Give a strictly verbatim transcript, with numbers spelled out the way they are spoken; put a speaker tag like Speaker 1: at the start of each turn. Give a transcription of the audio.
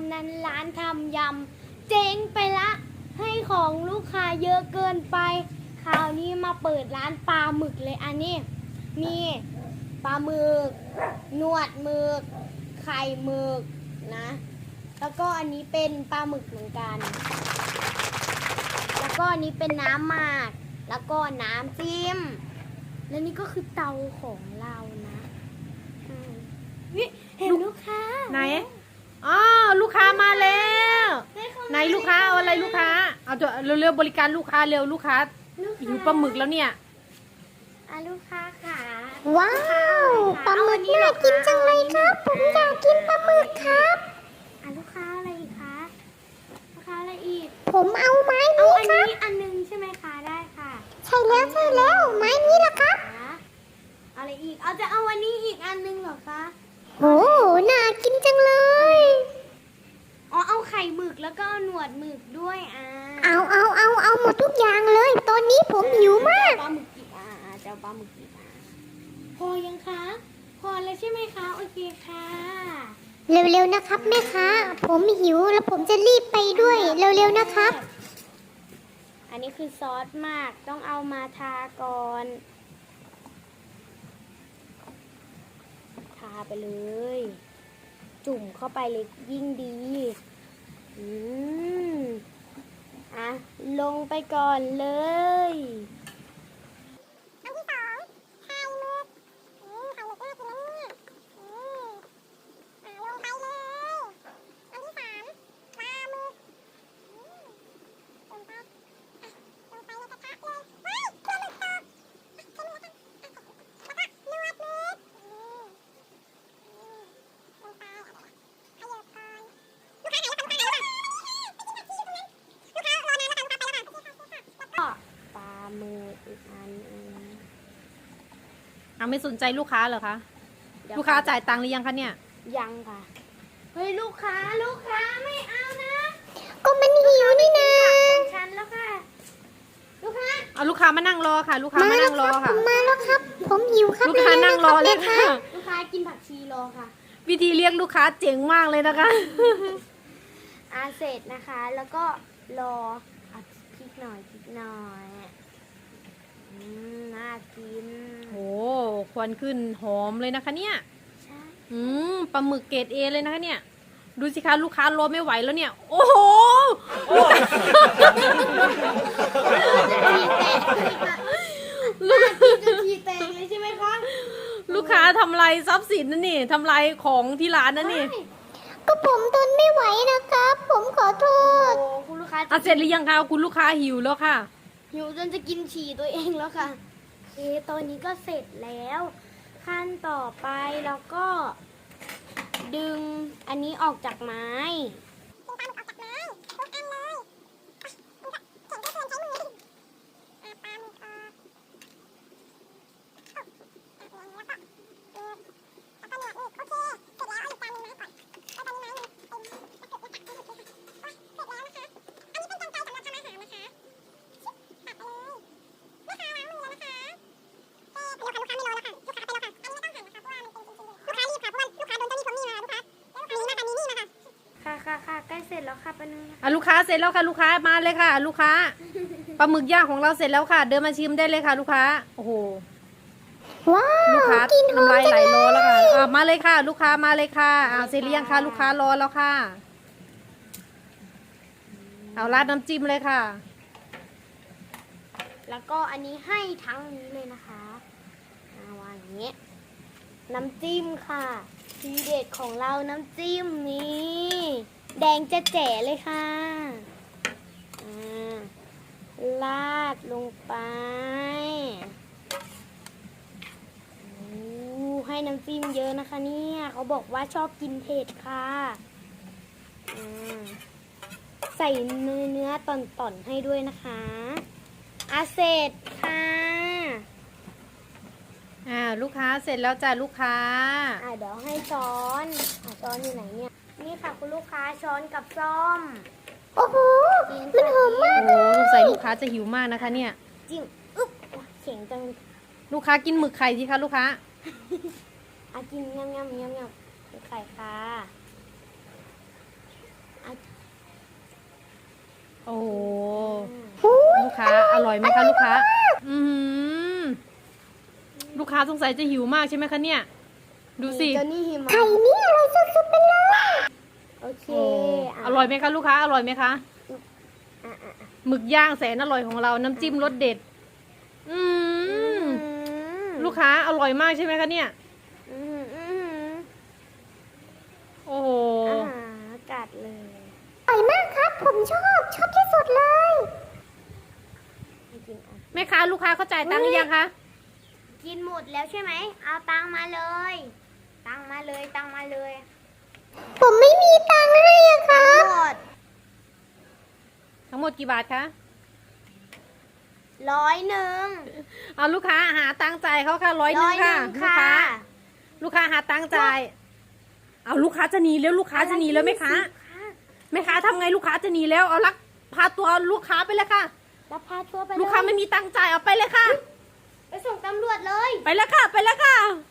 Speaker 1: นั้นร้านทำยำเจ๊งไปละ ให้ของลูกค้าเยอะเกินไปคราวนี้มาเปิดร้านปลาหมึกเลยอันนี้มีปลาหมึกหนวดหมึกไข่หมึกนะแล้วก็อันนี้เป็นปลาหมึกเหมือนกันแล้วก็อันนี้เป็นน้ำหมากแล้วก็น้ำจิ้มและนี่ก็คือเตาของเรานะนี่เห็นลูกค้า
Speaker 2: ไหนอ๋อลูกค้ามาแล้วไหนลูกค้าเอาอะไรลูกค้าเอาตัวเร็วๆบริการลูกค้าเร็วลูกค้าหิวปลาหมึกแล้วเนี่ย
Speaker 1: อ่ะลูกค้าค่ะ
Speaker 3: ว้าวปลาหมึกน่ากินจังเลยครับผมอยากกินปลาหมึกครับ
Speaker 1: อ่ะลูกค้าอะไรอีกคะลูกค้าอะไรอีก
Speaker 3: ผมเอาไม้
Speaker 1: เอา
Speaker 3: นี้
Speaker 1: อัน
Speaker 3: ครับ
Speaker 1: นี้อันนึงใช่ไหมคะได้ค่ะ
Speaker 3: ใช่แล้วใช่แล้วไม้นี้ละครับ
Speaker 1: อะไรอีกเอาจะเอาอันนี้อีกอันนึงเหรอคะ
Speaker 3: โอ้น่ากินจังเลย
Speaker 1: อ๋อเอาไข่หมึกแล้วก็หนวดหมึกด้วยอ่า
Speaker 3: เอาเอาเอาเอาหมดทุกอย่างเลยตอนนี้ผมหิวมาก
Speaker 1: ปลาหมึกกี่อ่าจะเอาปลาหมึกกี่อ่าพอยังคะพอแล้วใช่ไหมคะโอเคค่ะ
Speaker 3: เร็วๆนะครับแม่ค้าผมหิวแล้วผมจะรีบไปด้วยเร็วๆนะครับ
Speaker 1: อันนี้คือซอสมากต้องเอามาทาก่อนทาไปเลยจุ่มเข้าไปเลยยิ่งดีอืมอ่ะลงไปก่อนเลย
Speaker 3: อันที่สองไข่หมึกอืมไข่หมึกน่ากินนะเนี่ยอืมอ่าลงไปเลยอันที่สามปลาหมึกอืมลงไปอ่ะลงไปในกระทะเลยเฮ้ยปลาหมึกตกอ่ะใช้มือแล้วกันอ่ะแล้วก็นวดหมึกอืมอืมลงไปอ่ะขยับก่อนลูกค้าหายแล้วค่ะลูกค้าหายแล้วค่ะไปกินผักชีอยู่ตรงนั้นลูกค้ารอนานแล้วค่ะลูกค้าไปแล้วค่ะโอเคค่ะโอเคค่ะแล้วก็
Speaker 1: ก็ปลาหมึกอีกอันนึง
Speaker 2: เอาไม่สนใจลูกค้าเหรอคะลูกค้าจ่ายตังค์หรือยังคะเนี่ย
Speaker 1: ยังค่ะเฮ้ยลูกค้าลูกค้าไม่เอานะ
Speaker 3: ก็มันหิวนี่นะ
Speaker 1: ของฉันแล้วค่ะลูกค้า
Speaker 2: เอาลูกค้ามานั่งรอค่ะ ลูกค้ามานั่งรอค่ะ
Speaker 3: มาแล้วครับผมหิวครับ
Speaker 2: ลูกค้านั่งรอเลยค่ะ
Speaker 1: ลูกค้ากินผักชีรอค่ะ
Speaker 2: วิธีเรียกลูกค้าเจ๋งมากเลยนะคะ
Speaker 1: อาเสร็จนะคะแล้วก็รออ่ะพริกหน่อยพริกหน่อยอืมน่ากิน
Speaker 2: โอ้ควันขึ้นหอมเลยนะคะเนี่ย
Speaker 1: ใช่
Speaker 2: อืมปลาหมึกเกรดเอเลยนะคะเนี่ยดูสิคะลูกค้ารอไม่ไหวแล้วเนี่ยโอ้โห
Speaker 1: ลูกกินจนทีแตกเลยใช่ไหมคะ
Speaker 2: ลูกค้าทำลายทรัพย์สินนั่นนี่ทำลายของที่ร้านนั่นนี่
Speaker 3: ก็ผมทนไม่ไหวนะครับ ผมขอโทษ
Speaker 1: โอ้คุณลูกค้า
Speaker 2: อ่ะเสร็จหรือยังคะคุณลูกค้าหิวแล้วค่ะ
Speaker 1: หิวจนจะกินฉี่ตัวเองแล้วค่ะโอเคตอนนี้ก็เสร็จแล้ว ขั้นต่อไปเราก็ดึงอันนี้ออกจากไม้
Speaker 3: ดึงปลาหมึกออกจากไม้ทุกอันเลยเข็นก็เกินใช้มืออ่ะปลาหมึกออกแล้วก็แล้วก็หนวดหมึกโอเคเสร็จแล้วเอาอีกจานนึงมาให้ก่อนแล้วตอนนี้ไม้มันเต็มตะเกียบไม่ตักไม่หยุดเลยค่ะเสร็จแล้วนะคะอันนี้เป็นกรรไกรสำหรับทำอาหารนะคะตัดไปเลยลูกค้าล้างมือแล้วนะคะเอ๊ะเดี๋ยวค่ะลูกค้าไม่รอแล้วค่ะลูกค้าไปแล้วค่ะอันนี้ไม่ต้องหั่นนะคะเพราะว่ามันเป็นชิ้นๆเลยลูกค้ารีบค่ะเพราะว่าลูกค้าโดนเจ้าหนี้ทวงหนี้มาลูกค้าอันนี้นะคะมีหนี้มาค่ะ
Speaker 1: ค่ะค่ะค่ะใกล้เสร็จแล้วค่ะปะนึง
Speaker 2: อ่ะลูกค้าเสร็จแล้วค่ะลูกค้ามาเลยค่ะ ลูกค้าปลาหมึกย่างของเราเสร็จแล้วค่ะ เดินมาชิมได้เลยค่ะ ลูกค้าโอ้โห
Speaker 3: ว้าว
Speaker 2: ลูกค้า
Speaker 3: กินหอม
Speaker 2: น้ำลาย
Speaker 3: จัง
Speaker 2: ไหล
Speaker 3: เล
Speaker 2: รอแล้วค่ะ
Speaker 3: ย
Speaker 2: อ่ะมาเลยค่ะ ลูกค้ามาเลยค่ะอ่าเสร็จหรือยังคะลูกค้ารอแล้วค่ะเอาราดน้ำจิ้มเลยค่ะ
Speaker 1: แล้วก็อันนี้ให้ทั้งนี้เลยนะคะเอาวางอย่างนี้ น้ำจิ้มค่ะทีเด็ดของเราน้ำจิ้มนี้แดงจะแจ๋เลยค่ะอ่าลาดลงไปให้น้ำจิ้มเยอะนะคะเนี่ยเขาบอกว่าชอบกินเผ็ดค่ะอ่าใส่เนื้อเนื้อต่อนๆให้ด้วยนะคะอาเสร็จค่ะ
Speaker 2: อ่าลูกค้าเสร็จแล้วจ้ะลูกค้า
Speaker 1: อ่าเดี๋ยวให้ช้อนอ่าช้อนอยู่ไหนเนี่ยนี่ค่ะคุณลูกค้าช้อนกับซ่อม
Speaker 3: โอ้โหมันหอมมาก
Speaker 2: โอ้สงสัยลูกค้าจะหิวมากนะคะเนี่ย
Speaker 1: จิ้มอึ๊บเสียงจัง
Speaker 2: ลูกค้ากินหมึกไข่สิคะลูกค้า
Speaker 1: อากินยำยำยำยำไข่ค่ะ
Speaker 2: โอ้โหลูกค้าอร่อยไหมคะลูกค้า อือหือลูกค้าสงสัยจะหิวมากใช่ไหมคะเนี่ย ดูสิ
Speaker 1: เจ้านี่หิมะ
Speaker 3: ไข่นี่อร่อยสุดๆไปเลย
Speaker 1: โอเค
Speaker 2: โอ้
Speaker 1: ะ
Speaker 2: อร่อยไหมคะลูกค้าอร่อยไหมคะ
Speaker 1: อ่ะอ่ะอ่ะ
Speaker 2: หมึกย่างแสนอร่อยของเราน้ำจิ้มรสเด็ด อืม
Speaker 1: อืม
Speaker 2: ลูกค้าอร่อยมากใช่ไหมคะเนี่ย
Speaker 1: อืมอืม
Speaker 2: โอ้โห
Speaker 1: อาหารกัดเลย
Speaker 3: อร่อยมากครับ ผมชอบ ชอบที่สุดเลย
Speaker 1: จริงๆอ่ะ
Speaker 2: แม่ค้าลูกค้าเข้าจ่ายตังค์หรือยังคะ
Speaker 1: กินหมดแล้วใช่ไหมเอาตังค์มาเลย ตังค์มาเลยตังค์มาเลย
Speaker 3: ผมไม่มีตังค์ให้อะครั
Speaker 1: ทั้ง
Speaker 3: บ
Speaker 1: หมด
Speaker 2: ทั้งหมดกี่บาทคะ
Speaker 1: ร้อยหนึ่ง
Speaker 2: เอาลูกค้าหาตังค์จ่ายเขาค่ะร้อยหนึ่งค่ะ ลูก
Speaker 1: ค่ะ
Speaker 2: ค้า ลูกค้าหาตังค์จ่าย เอาลูกค้าจะหนีแล้วลูกค้าจะหนีแล้วแม่ค้าแม่ค้าทำไงลูกค้าจะหนีแล้วเอาลักพาตัวลูกค้าไปเลยค่ะ
Speaker 1: รับพาตัวไป
Speaker 2: ลูกค้าไม่มีตังค์จ่ายเอาไปเลยค่ะ
Speaker 1: ไปส่งตำรวจเลย
Speaker 2: ไปแล้วค่ะ ไปแล้วค่ะ